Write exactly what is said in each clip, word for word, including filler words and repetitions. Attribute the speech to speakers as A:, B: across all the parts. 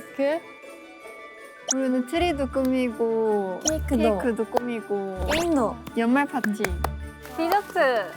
A: 케이크.
B: 우리는 트리도 꾸미고
A: 케이크도.
B: 케이크도 꾸미고
A: 게임도.
B: 연말 파티.
A: 디저트.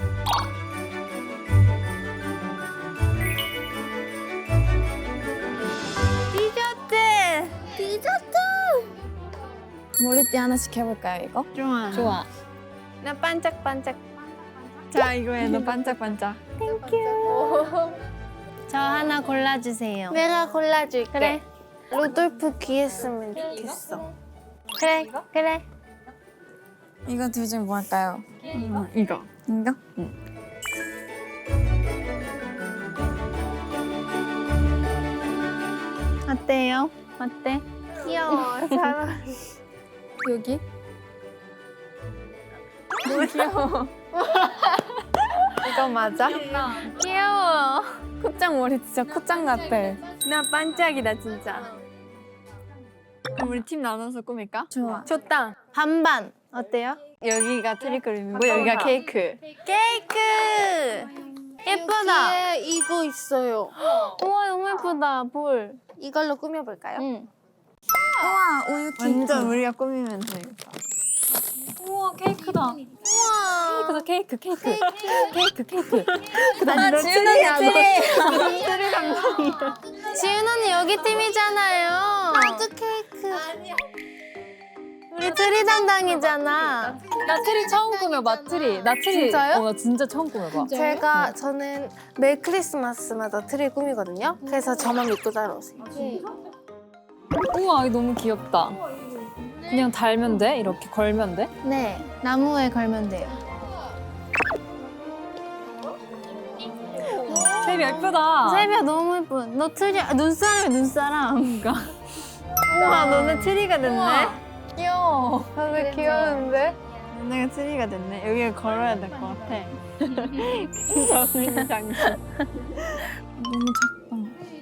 B: 디저트.
A: 디저트. 머리띠 하나씩 해볼까요, 이거?
B: 좋아.
A: 좋아.
B: 나 반짝반짝. 자 이거 해. 너 반짝반짝.
A: 땡큐.
C: 저 하나 골라주세요.
A: 내가 골라줄게.
C: 그래.
A: 루돌프 귀 했으면 좋겠어.
C: 그래, 그래.
A: 이거 둘 중 뭐 할까요?
B: 음, 이거.
A: 이거?
C: 어때요? 어때?
A: 귀여워. 잘
C: 여기?
B: 귀여워.
A: 이거 맞아?
C: 귀여워.
A: 코짱 머리 진짜 코짱 같아.
B: 나 반짝이다 진짜. 그럼 우리 팀 나눠서 꾸밀까?
C: 좋아.
B: 좋다.
C: 반반. 어때요?
B: 여기가 트리 그림이고 여기가 케이크.
C: 케이크! 예쁘다.
A: 뒤에 이거 있어요.
C: 우와, 너무 예쁘다. 볼.
A: 이걸로 꾸며볼까요?
C: 응.
A: 우와, 우유 케이크.
B: 완전 우리가 꾸미면 되겠다.
C: 우와, 케이크다.
A: 우와.
C: 케이크다, 케이크, 케이크. 케이크, 케이크.
B: 아,
C: 지윤 언니
B: 트리. 트리 감독이야.
C: 지윤 언니 여기 팀이잖아요.
A: 나도 케이크.
C: 우리 트리 담당이잖아.
D: 나 트리 처음 꾸며봐, 트리. 나 트리.
A: 진짜요?
D: 어, 나 진짜 처음 꾸며봐.
A: 제가 저는 매 크리스마스마다 트리 꾸미거든요. 그래서 저만 믿고 따라오세요.
D: 우와, 이거 너무 귀엽다. 그냥 달면 돼? 이렇게 걸면 돼?
C: 네, 나무에 걸면 돼요.
D: 세비 예쁘다.
C: 세비야 너무 예쁜. 너 트리, 아, 눈사람이야, 눈사람.
B: 우와 너네 트리가 됐네.
D: 귀여워.
A: 다들 귀여운데?
B: 너네가 트리가 됐네. 여기에 걸어야 될 것 같아. 저는 장식.
A: 너무 작다.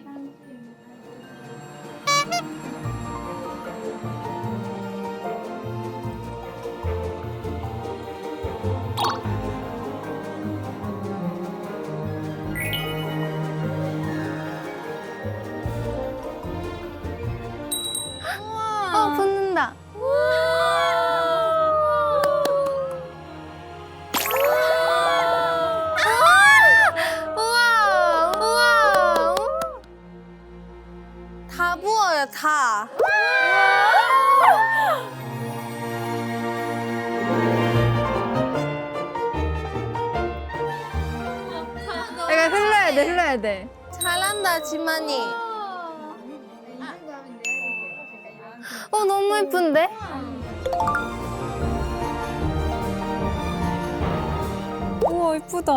C: 어, 붙는다. 우와, 우와.
A: 다 부어요, 다.
B: 약간 흘러야 돼, 흘러야 돼.
A: 잘한다, 지만이.
C: 어, 너무 예쁜데?
D: 우와, 예쁘다.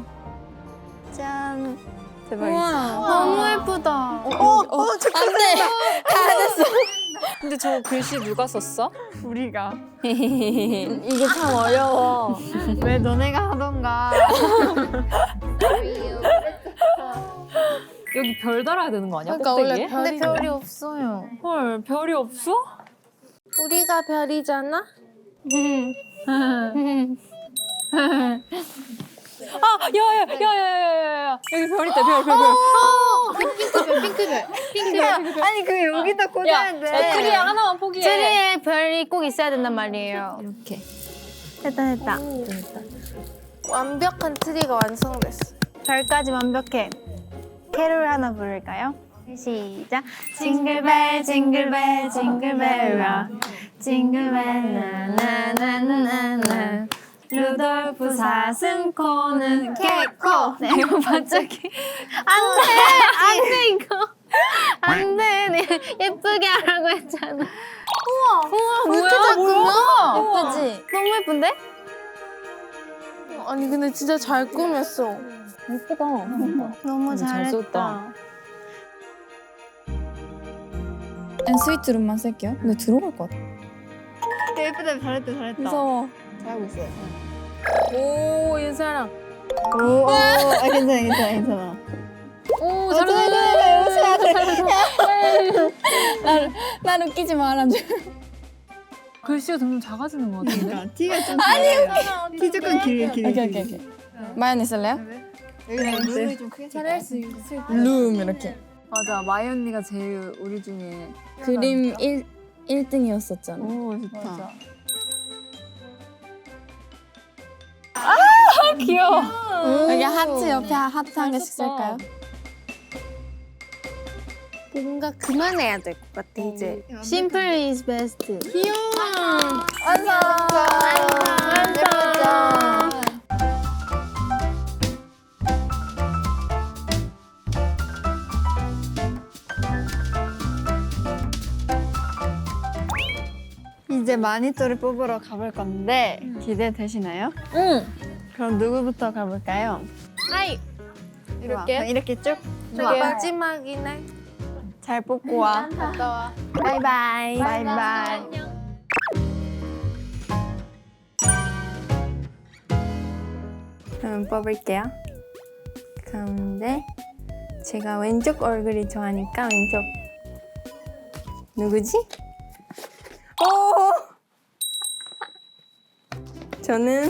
B: 짠. 대박이다.
C: 너무 예쁘다.
A: 어, 어, 잠깐만.
D: 근데 저 글씨 누가 썼어?
B: 우리가.
A: 이게 참 어려워.
B: 왜 너네가 하던가.
D: 여기 별 달아야 되는 거 아니야?
A: 그러니까 원래
D: 꼭대기에?
A: 별이
C: 근데 별이 없어요.
D: 헐, 별이 없어?
A: 우리가 별이잖아?
D: 아, 야, 야, 야, 야, 야, 야. 여기 별 있다, 별, 별, 별.
A: 핑크별, 핑크별. 핑크별.
B: 아니 그 여기다
D: 야,
B: 꽂아야 돼.
D: 야, 트리야 하나만 포기해.
C: 트리에 별이 꼭 있어야 된단 말이에요.
D: 이렇게.
C: 됐다, 됐다.
A: 완벽한 트리가 완성됐어.
C: 별까지 완벽해. 캐롤 하나 부를까요? 시작. 징글벨 징글벨 징글벨 락 징글벨 나나나나나 루돌프 사슴코는 개코. 네, 이거 반짝이. 안돼 안돼 이거 안돼. 네, 예쁘게 하라고 했잖아. 우와 우와
A: 뭐야, 뭐야?
C: 예쁘지? 너무 예쁜데?
A: 아니 근데 진짜 잘 꾸몄어.
D: 예쁘다.
C: 너무
D: 음, 잘
C: 잘했다.
D: 썼다.
E: 앤 스위트룸만 쓸게요. 근데 들어갈 것 같아.
B: 예쁘다. 잘했다, 잘했다.
E: 무서워.
B: 잘하고 있어요.
D: 오, 윤사랑.
B: 오, 오, 아, 괜찮아, 괜찮아, 괜찮아.
D: 오,
E: 잘한다.
D: 잘한다.
E: 날, 날 웃기지 말아줘.
D: 글씨가 점점 작아지는 것 같은데?
B: 그러니까 티가 좀 아니, 티 조금 길게, 길게.
E: 오케이, 오케이, 오케이. 마연이 쓸래요?
B: 여기다 눈이 좀 크게
A: 잘할 수 있을
E: 룸 이렇게.
B: 맞아, 마이 언니가 제일 우리 중에
E: 그림 일, 일 등이었었잖아.
B: 오 좋다.
E: 맞아.
D: 귀여워.
E: 여기 하트 옆에 하트 한 개씩 쓸까요?
A: 뭔가 그만해야 될 것 같아 이제.
C: Simple is best.
E: 완성! 예쁘죠?
B: 이제 마니또를 뽑으러 가볼 건데 기대되시나요?
D: 응.
B: 그럼 누구부터 가볼까요?
A: 하이.
B: 이렇게 이렇게 쭉.
A: 좋아. 마지막이네.
B: 잘 뽑고 와.
A: 바이바이.
B: 바이바이. 그럼 뽑을게요. 가운데 제가 왼쪽 얼굴이 좋아하니까 왼쪽 누구지? 오! 저는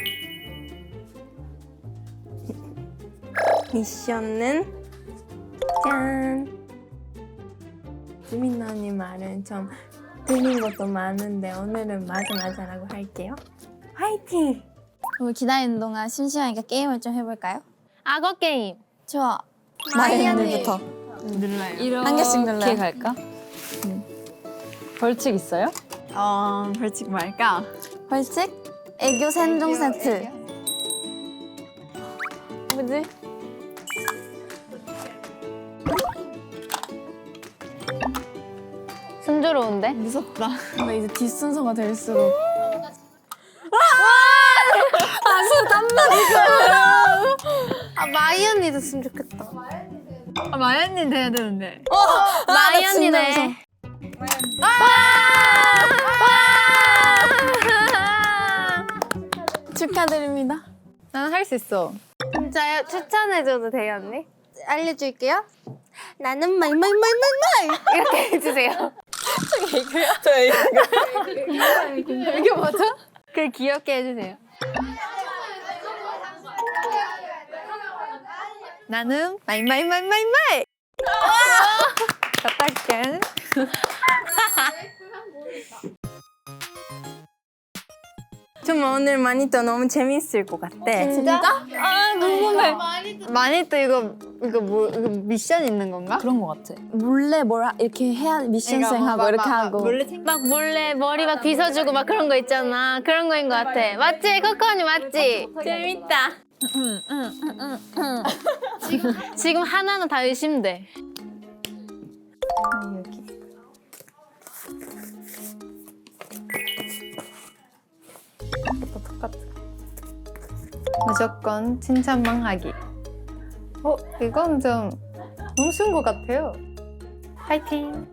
B: 미션은 짠! 수민아 언니 말은 좀 틀린 것도 많은데 오늘은 맞아 맞아라고 할게요. 화이팅!
E: 우리 기다리는 동안 심심하니까 게임을 좀 해볼까요?
C: 악어 게임.
E: 좋아.
A: 마이
E: 언니부터.
B: 눌러요.
E: 한 개씩 눌러요.
D: 이렇게 갈까? 벌칙 있어요?
B: 어, 벌칙 말까?
E: 벌칙? 애교 생종 세트.
C: 뭐지? 순조로운데?
B: 무섭다.
E: 근데 이제 뒷순서가 될수록
A: 아 마이 언니 됐으면 좋겠다.
B: 아, 마연님 돼야 되는데.
C: 마이 언니네.
E: 축하드립니다.
B: 난 할 수 있어.
A: 진짜요? 추천해줘도 돼요 언니? 알려줄게요. 나는 말말말말말 이렇게 해주세요.
B: 이게 뭐죠? 그 귀엽게 해주세요. 나는 말말말말말. 어떡해? 좀 오늘 마니또 너무 재밌을 것 같아.
E: 진짜?
B: 아 궁금해. 마니또 이거 이거 뭐 이거 미션 있는 건가?
D: 그런 거 같아.
E: 몰래 뭘 하- 이렇게 해야 미션 수행하고 이렇게 하고.
B: 몰래 챙.
C: 막 몰래 머리 막 빗어주고 막 그런 거 있잖아. 그런 거인 것 같아. 맞지? 코코 언니 맞지? 재밌다. 지금, 지금 하나는 다 의심돼.
B: 여기. 똑같아. 무조건 칭찬만 하기. 어, 이건 좀 너무 쉬운 것 같아요. 파이팅!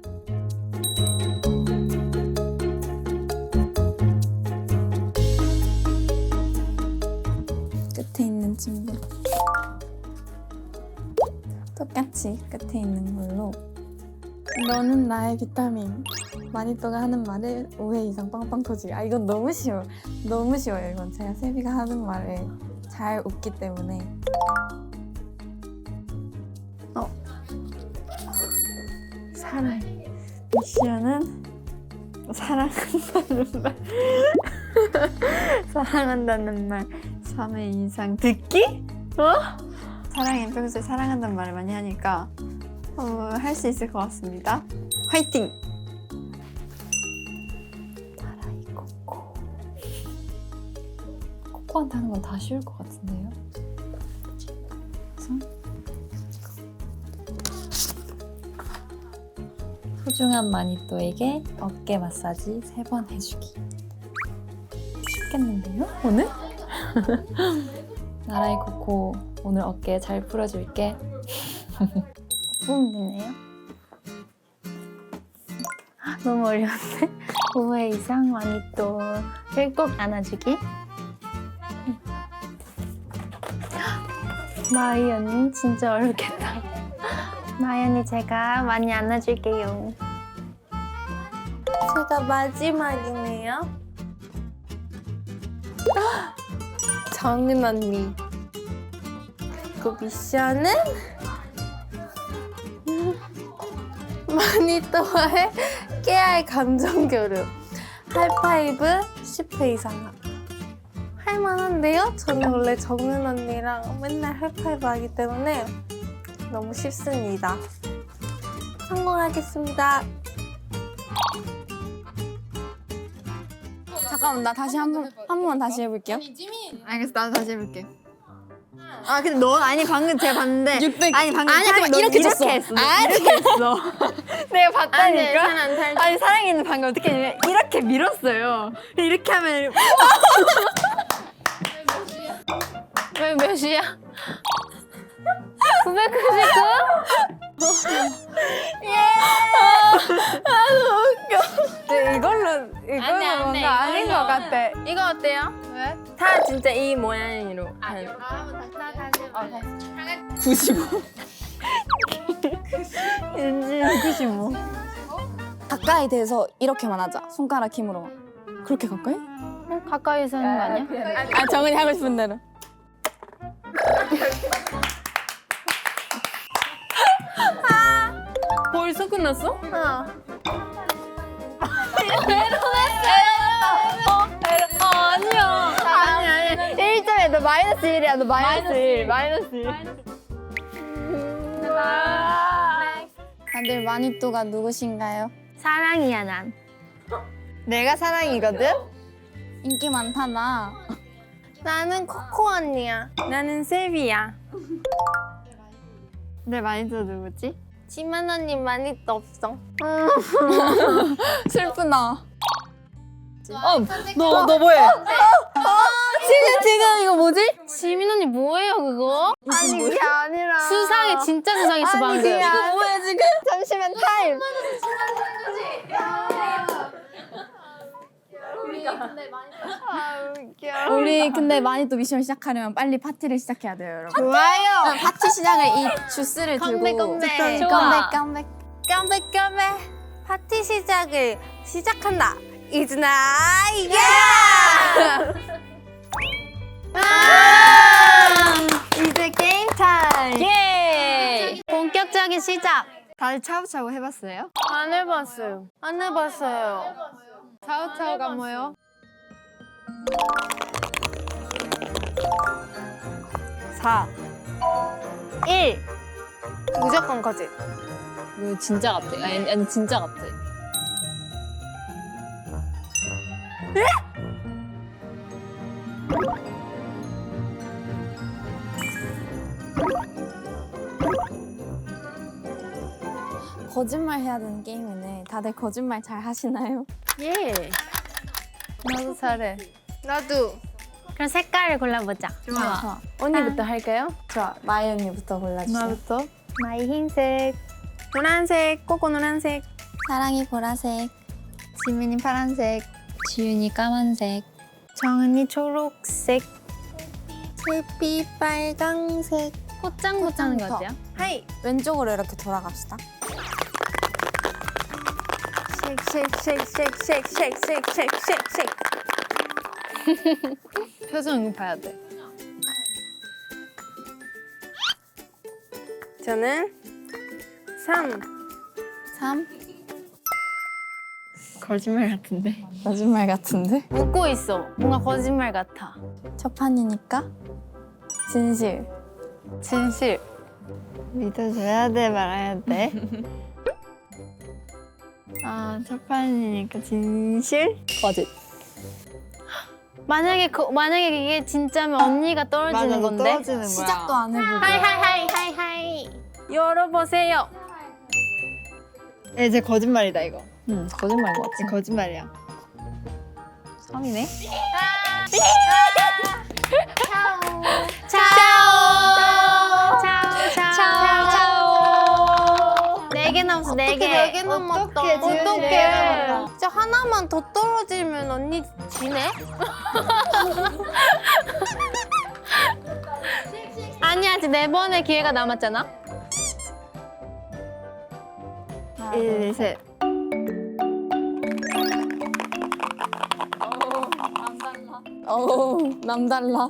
E: 끝에 있는 친구. 똑같이 끝에 있는 걸로. 너는 나의 비타민. 마니또가 하는 말에 오 회 이상 빵빵 터지기. 아 이건 너무 쉬워. 너무 쉬워요. 이건 제가 세비가 하는 말에 잘 웃기 때문에.
B: 어. 사랑. 미션은 사랑한다는 말. 사랑한다는 말 삼 회 이상 듣기? 어? 사랑이 평소에 사랑한다는 말을 많이 하니까 어, 할 수 있을 것 같습니다. 화이팅!
D: 코코한테 하는 건 다 쉬울 것 같은데요? 소중한 마니또에게 어깨 마사지 세 번 해주기. 쉽겠는데요? 오늘? 나라의 코코 오늘 어깨 잘 풀어줄게.
C: 보면 되네요. 너무 어려운데? 오 회 이상 마니또를 꼭 안아주기. 마이 언니 진짜 어렵겠다. 마이 언니 제가 많이 안아줄게요.
A: 제가 마지막이네요. 정은 언니. 그 미션은 음, 마니또와의 깨알 감정 교류. 하이파이브 십 회 이상. 할만한데요? 저는 원래 정은 언니랑 맨날 하이파이브 하기 때문에 너무 쉽습니다. 성공하겠습니다.
E: 잠깐만 나 다시 한 번 한 번만 다시 해볼게요.
B: 알겠어, 나도 다시 해볼게. 아 근데 너 아니 방금 제가 봤는데
E: 육백.
B: 아니 방금
E: 아니야,
B: 사랑이
E: 그만 이렇게
B: 너
E: 줬어.
B: 했어. 너 이렇게 했어. 내가 봤다니까.
A: 사람 살
B: 아니 사랑이는 방금 어떻게 했냐면 이렇게 밀었어요. 이렇게 하면
C: 왜 몇이야? 구백구십구?
D: 근데 이걸로 이거는
C: 안 돼, 안 돼,
D: 뭔가 아닌
C: 이걸로.
D: 것 같아.
C: 이거 어때요? 왜?
D: 다 진짜 이 모양으로. 하는.
E: 구십오.
B: 윤진 구십오.
E: 가까이 대서 이렇게만 하자. 손가락 힘으로만. 그렇게 가까이?
C: 가까이서 하는 거 아니야?
E: 아 정은이 하고 싶은 대로.
D: 벌써 끝났어?
A: 어.
B: 아니야. 아니 아니. 일 점에 너 마이너스 일이야. 너 마이너스 일. 마이너스 일.
E: 다들 마니또가 누구신가요?
C: 사랑이야 난.
B: 내가 사랑이거든.
E: 인기 많다나.
A: 나는 코코 언니야.
D: 나는 세비야.
B: 내 마이너스 누구지?
A: 지만 언니 많이 또 없어.
E: 슬프다.
D: 너 너 뭐해?
E: 지금 지금 이거 뭐지?
C: 지민 언니 뭐예요 그거?
B: 아니 그게 아니라
C: 수상해 진짜 수상했어 방금.
E: 이거 뭐야 지금?
B: 잠시만 타임. 아 웃겨.
E: 우리 근데 마니또 미션 시작하려면 빨리 파티를 시작해야 돼요, 여러분.
B: 좋아요.
E: 파티 시작을 이 주스를
A: 건배,
E: 들고
A: 건배.
C: 좋아.
E: 깜백 깜백.
A: 깜백깜백 파티 시작을 시작한다. 이즈나 예!
B: 이제 게임 타임.
C: 예. 본격적인 시작.
B: 다들 차우차우 해봤어요?
A: 안 해봤어요. 안 해봤어요.
B: 차우차우가 뭐요?
A: 사, 일. 무조건 거짓.
D: 이거 진짜 같아. 아니, 아니 진짜 같아.
E: 거짓말 해야 되는 게임이네. 다들 거짓말 잘 하시나요?
C: 예.
B: 나도 잘해.
A: 나도.
C: 그럼 색깔을 골라보자.
E: 좋아.
A: 언니부터 할까요?
E: 좋아. 마이 언니부터 골라주세요.
B: 나부터.
C: 나의 흰색,
A: 노란색, 코코 노란색.
E: 사랑이 보라색.
B: 지민이 파란색.
C: 지윤이 까만색, 정은이 초록색.
A: 세피 빨강색.
C: 꽃장꽃 하는 거 어때요?
A: 하이.
E: 왼쪽으로 이렇게 돌아갑시다.
A: 쉑쉑쉑쉑쉑쉑쉑쉑쉑쉑.
B: 표정 봐야 돼.
A: 저는 삼.
E: 삼.
B: 거짓말 같은데.
E: 거짓말 같은데?
C: 웃고 있어. 뭔가 거짓말 같아.
E: 첫 판이니까 진실.
B: 진실. 믿어줘야 돼, 말아야 돼. 아, 첫 판이니까 진실?
D: 거짓.
C: 만약에 그, 만약에 이게 진짜면 언니가 떨어지는 건데.
B: 떨어지는 거야.
E: 시작도 안 해보고.
C: 하이 하이 하이 하이 하이.
A: 열어보세요.
B: 야, 이제 거짓말이다, 이거.
D: 응 거짓말인 것 같아.
B: 이제 거짓말이야. 삼이네?
C: 차오. 차오 차오 차오. 네개 남았어 네 개.
A: 네 개 남았다.
B: 어떡해, 지은이.
A: 어떡해. 진짜 하나만 더 떨어지면 언니 지네?
C: 아니야 아직 네 번의 기회가 남았잖아.
B: 일, 셋.
E: 어우, 남달라.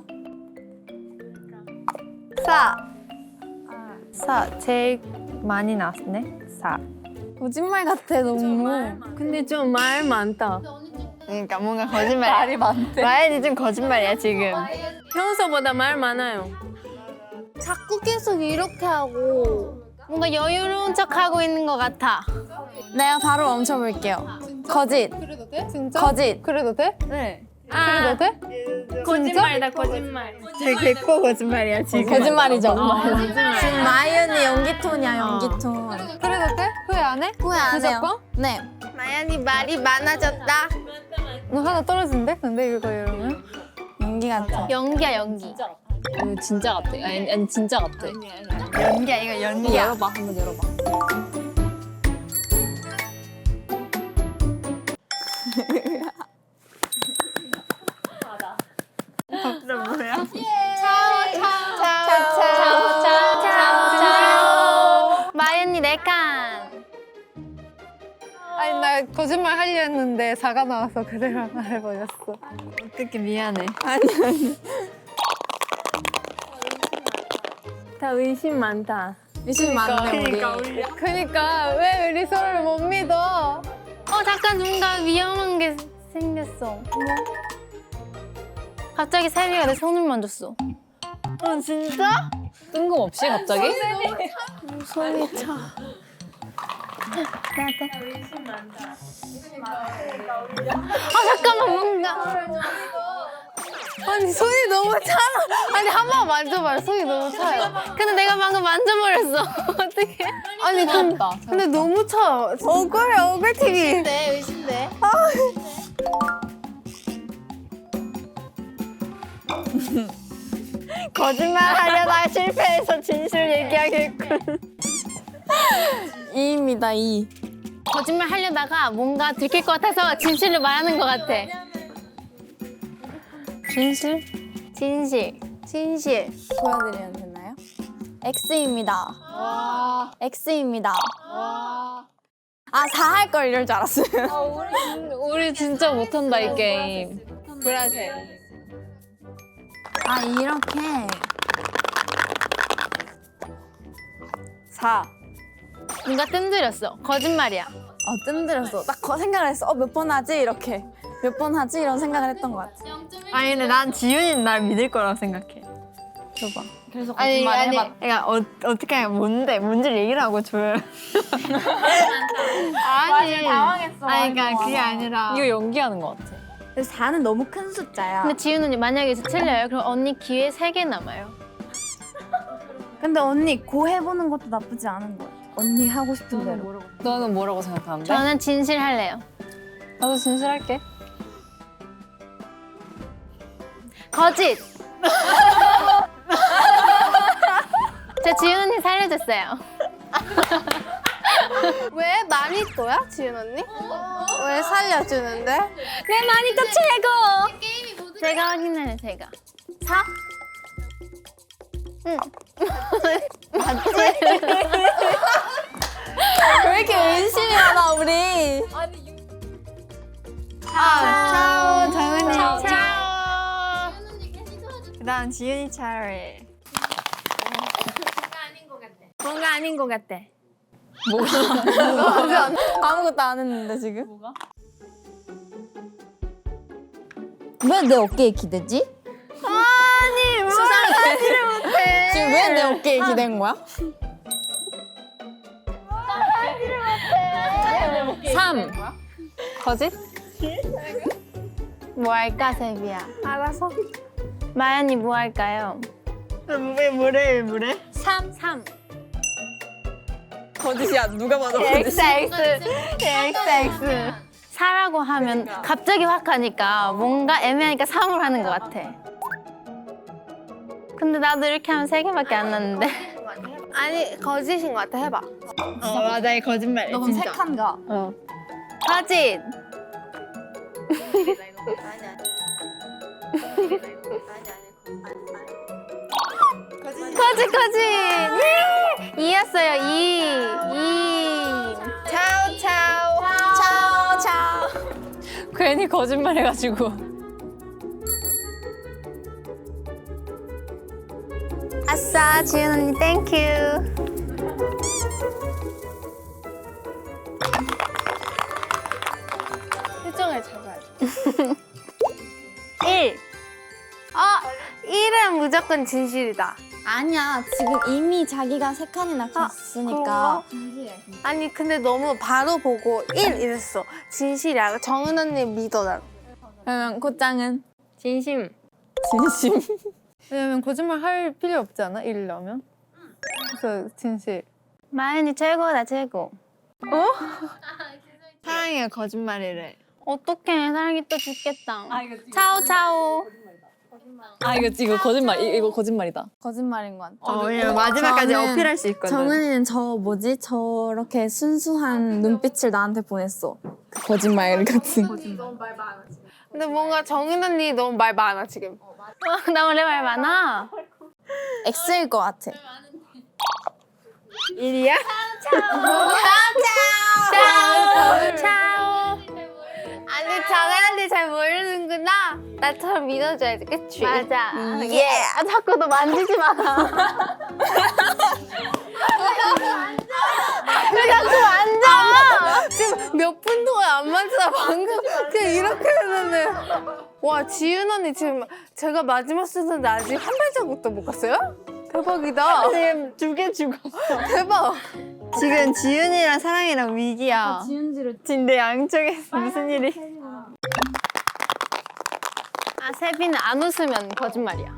B: 사. 사. 제일 많이 나왔네. 사.
E: 거짓말 같아 너무.
C: 근데 좀 말 많다.
B: 그러니까 뭔가 거짓말이야. 말이 많대. 마연이 좀 거짓말이야 지금.
C: 평소보다 말 많아요. 자꾸 계속 이렇게 하고 뭔가 여유로운 척 하고 있는 것 같아.
E: 내가 바로 멈춰볼게요. 거짓.
D: 그래도 돼? 진짜?
E: 거짓.
D: 그래도 돼?
B: 네.
C: 아,
D: 그래도 돼?
C: 거짓말이다 거짓말.
B: 되게 개코 거짓말이야 지금.
E: 거짓말이죠.
C: 거짓말.
E: 지금 마이언니 연기 톤이야 연기 톤.
D: 그래도 돼? 후회 안 해?
E: 후회 안 해요.
D: 무조건?
E: 네.
C: 마연이 말이 많아졌다.
D: 너 하나 떨어진대? 근데 이거 이러면?
E: 연기 같아.
C: 연기야 연기.
D: 이거 진짜 같아. 아니, 아니 진짜 같아.
B: 연기야 이거 연기야.
D: 열어봐, 한번 열어봐.
C: 마연이 네 칸.
D: 아니 나 거짓말 하려 했는데 사가 나와서 그대로 말해버렸어.
B: 어떻게 미안해.
C: 다 의심 많다.
E: 의심 많네 우리.
D: 그니까 왜 우리 서로를 못 믿어?
C: 어 잠깐 뭔가 위험한 게 생겼어. 갑자기 세미가 내 손을 만졌어.
B: 어 진짜?
D: 뜬금없이 갑자기?
C: 손이 차. 아 잠깐만 뭔가. 아니 손이 너무 차. 아니 한 번 만져봐요. 손이 너무 차요. 근데 내가 방금 만져버렸어. 어떡해? 아니 근, 근데 너무 차요. 억울해 억울 티비. 의심돼 의심돼.
B: 거짓말 하려다가 실패해서 진실 얘기하겠군.
E: 이입니다 이.
C: 거짓말 하려다가 뭔가 들킬 것 같아서 진실을 말하는 것 같아. 진실? 진실. 진실.
E: 보여드리면 되나요? X입니다. X입니다. 아 사 할 걸 이럴 줄 알았어요.
D: 우리 진짜 못한다 이 게임. 브라질.
E: 아 이렇게
B: 사.
C: 뭔가 뜸들였어. 거짓말이야.
E: 어 뜸들였어. 딱 거- 생각을 했어. 어 몇 번 하지 이렇게. 몇 번 하지 이런 생각을 했던 것 같아.
B: 아니 근데 난 지윤이는 날 믿을 거라고 생각해.
E: 줘봐.
B: 그래서
C: 아니,
B: 거짓말
C: 아니.
B: 해봐. 그러니까 어, 어떻게 하면 뭔데? 뭔지를 얘기를 하고 줘요.
C: 아니.
B: 당황했어. 아니 그러니까 그게 아니라.
D: 이거 연기하는 것 같아.
E: 그래서 사는 너무 큰 숫자야.
C: 근데 지윤 언니 만약에 이제 틀려요? 그럼 언니 기회 세 개 남아요.
E: 근데 언니 고 해보는 것도 나쁘지 않은 거야. 언니 하고 싶은 대로.
D: 너는 뭐라고 생각하는데?
C: 저는 진실 할래요.
D: 나도 진실할게.
C: 거짓! 제 지윤 언니 살려줬어요. 왜 마니또야, 지윤 언니? 왜 살려주는데? 내 마니또 최고! 제가 확인해요, 제가. 사? 응. 맞지?
E: 왜 이렇게 의심이 많아 우리?
C: 아, 차오,
B: 정은이.
C: 차오.
B: 그다음 지윤이 차례.
C: 뭔가 아닌 것 같아.
E: 아무것도 안 했는데 지금. 뭐가? 왜 내 어깨에 기대지?
C: 아니, 수상하지를 못해.
E: 지금 왜 내 어깨에 기댄 거야?
D: 삼. 거짓?
C: 뭐 할까, 세비야? 알아서. 마연이 뭐 할까요?
B: 왜 뭐래 왜 뭐래?
C: 삼, 삼.
E: 거짓이야 누가 봐도
C: 엑스, 엑스. 엑스, 엑스. 사라고 하면 갑자기 확 가니까 뭔가 애매하니까 삼을 하는 것 같아. 근데 나도 이렇게 하면 세 개밖에 안 났는데. 아니, 거짓인 것 같아. 해봐.
B: 어 맞아 이 거짓말.
E: 너 그럼
B: 진짜.
E: 색한가?
D: 어.
C: 거짓. 거짓, 거짓. 예! 이였어요, 이. 이. 차오, 차오.
E: 차오 차오.
D: 괜히 거짓말 해가지고.
C: 아싸, 지윤 언니 땡큐. 일. 아, 일은 무조건 진실이다.
E: 아니야, 지금 이미 자기가 세 칸이나 갔으니까.
A: 아니 근데 너무 바로 보고 일 이랬어. 진실이야. 정은 언니 믿어 난.
E: 그러면 곧장은
C: 진심.
E: 진심.
D: 왜냐면 거짓말 할 필요 없지 않아? 일이라면. 그래서 진실.
C: 마연이 최고다 최고.
B: 사랑이가 거짓말이래.
C: 어떡해 사랑이 또 죽겠다. 차오 차오.
F: 아 이거 이거 거짓말 이- 이거 거짓말이다.
E: 거짓말인 것 같아.
B: 어, 왜냐면 마지막까지
E: 저는-
B: 어필할 수 있거든.
E: 정은이는 저 뭐지? 저렇게 순수한 눈빛을 나한테 보냈어. 그 거짓말 같은.
A: 근데 뭔가 정은 언니 너무 말 많아 지금.
C: 나 원래 말 많아.
E: X일 것 같아.
B: 일이야?
A: 차오. 아니 정은 언니 잘 모르는구나. 나처럼 믿어줘야지, 그치?
C: 맞아. 예. 아, 자꾸 너 만지지 마. 왜 자꾸 만져?
A: 지금 몇 분 동안 안 만지다 방금 그냥 이렇게 했는데. 와 지윤 언니 지금 제가 마지막 순서인데 아직 한 발자국도 못 갔어요? 대박이다.
B: 지금 두 개 죽었어.
A: 대박.
B: 지금 지윤이랑 사랑이랑 위기야.
E: 지은지로
B: 근데 양쪽에서 무슨 일이?
C: 아, 세빈은 안 웃으면 거짓말이야.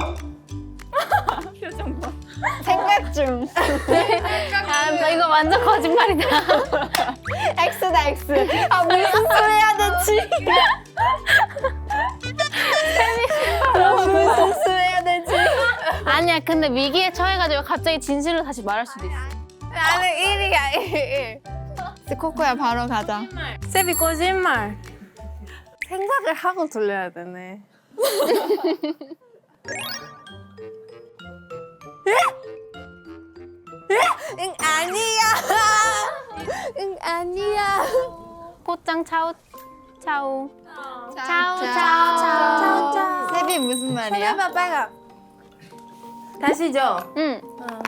B: 생각 중.
C: 아, 나 이거 완전 거짓말이다.
B: X다 X. 아 무슨 소리 해야 되지? 아, 무슨 소리 해야 되지?
C: 아니야, 근데 위기에 처해가지고 갑자기 진실로 다시 말할 수도 있어.
A: 나는 일이야 일.
B: 코코야 바로 가자.
C: 세비 거짓말.
A: 생각을 하고 돌려야 되네. 응 아니야. 응 아니야.
C: 꽃장 차오 차오. 차오
B: 차오,
C: 차오 차오 차오.
B: 세비 무슨 말이야?
A: 해봐 빨가.
C: 다시죠. 응.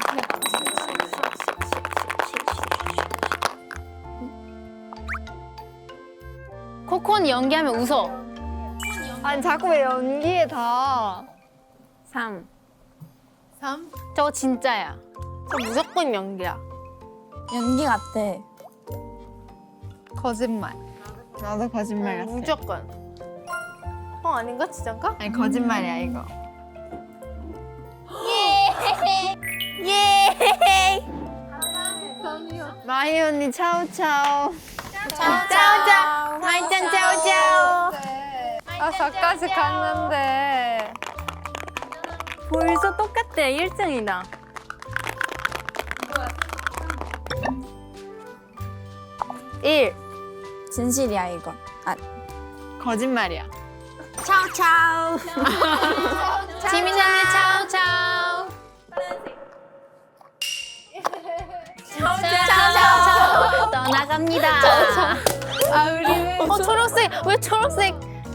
C: 코코는 연기하면 웃어.
B: 아니 자꾸 왜 연기에 다?
C: 삼. 삼? 저거 진짜야.
A: 저 무조건 연기야.
E: 연기 같아.
D: 거짓말.
B: 나도 거짓말 같아.
A: 무조건. 어 아닌가 진짠가?
B: 아니 거짓말이야 이거.
A: 예.
B: 마희 언니 차오차오.
A: 짜오짜오. 마이짱 짜오짜오.
D: 아 저까지 갔는데.
C: 벌써 똑같아. 일 등이다.
A: 일.
E: 진실이야 이거. 아,
B: 거짓말이야.
C: 차오차오. 지민 언니 차오차오. 차오차오. 떠나갑니다.
A: 아 우리는.
C: 어 초록색. 왜 초록색?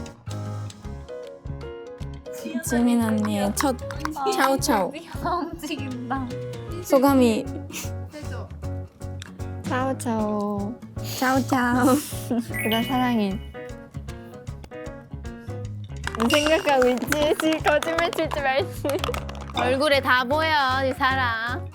E: 지민 언니의 첫 차오차오. 소감이
B: 차오차오.
E: 차오차오.
B: 그다음 사랑이. 너 생각하고 있지? 지금 거짓말 칠지 말지.
C: 얼굴에 다 보여 이 사람.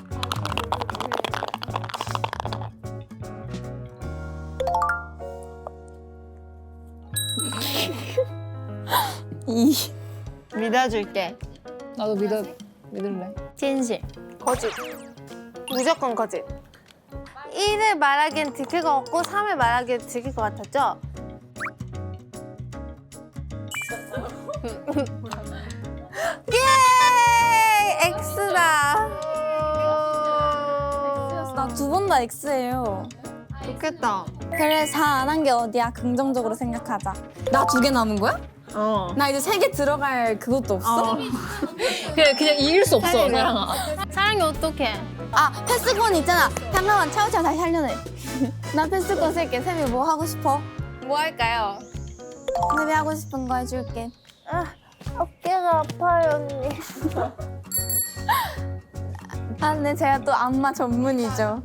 E: 이.
B: 믿어줄게.
F: 나도 믿어 믿을래.
C: 진실.
A: 거짓. 무조건 거짓. 일을 말하기엔 들킬 것 같고 삼을 말하기엔 들킬 것 같았죠? 예! X다.
E: 나 두 번 다 X예요.
B: 좋겠다.
E: 그래 사 안 한 게 어디야? 긍정적으로 생각하자. 나 두 개 남은 거야?
B: 어.
E: 나 이제 세 개 들어갈 그것도 없어?
F: 그냥 그냥 이길 수 없어 사랑아.
C: 사랑이 어떡해?
E: 아 패스권 있잖아. 잠깐만 차우차우 다시 하려네. 나 패스권 쓸게. 쌤이 뭐 하고 싶어?
A: 뭐 할까요?
E: 쌤이 하고 싶은 거 해줄게.
A: 어깨가 아파요 언니.
E: 아 근데 제가 또 안마 전문이죠.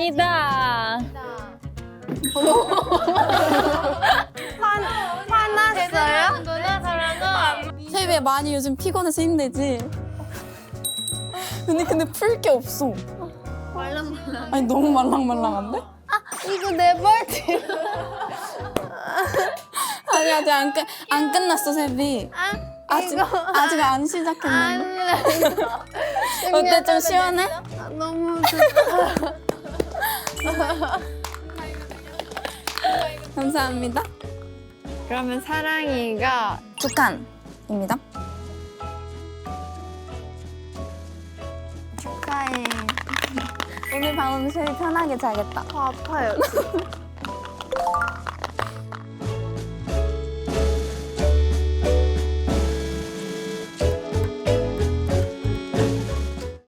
C: 갑니다.
A: 화, 화나
E: 세비야 많이 요즘 피곤해서 힘들지? 근데 근데 풀 게 없어.
C: 말랑말랑.
E: 아니 너무 말랑말랑한데?
C: 이거 내 발티.
E: 아니 아직 안, 끝, 안 끝났어 세비. 아직 아직 안 시작했는데. 어때 좀 시원해?
C: 아, 너무 좋다.
E: 감사합니다.
B: 그러면 사랑이가
E: 두 칸입니다.
B: 축하해.
E: 오늘 밤은 세비 편하게 자겠다.
C: 아파요.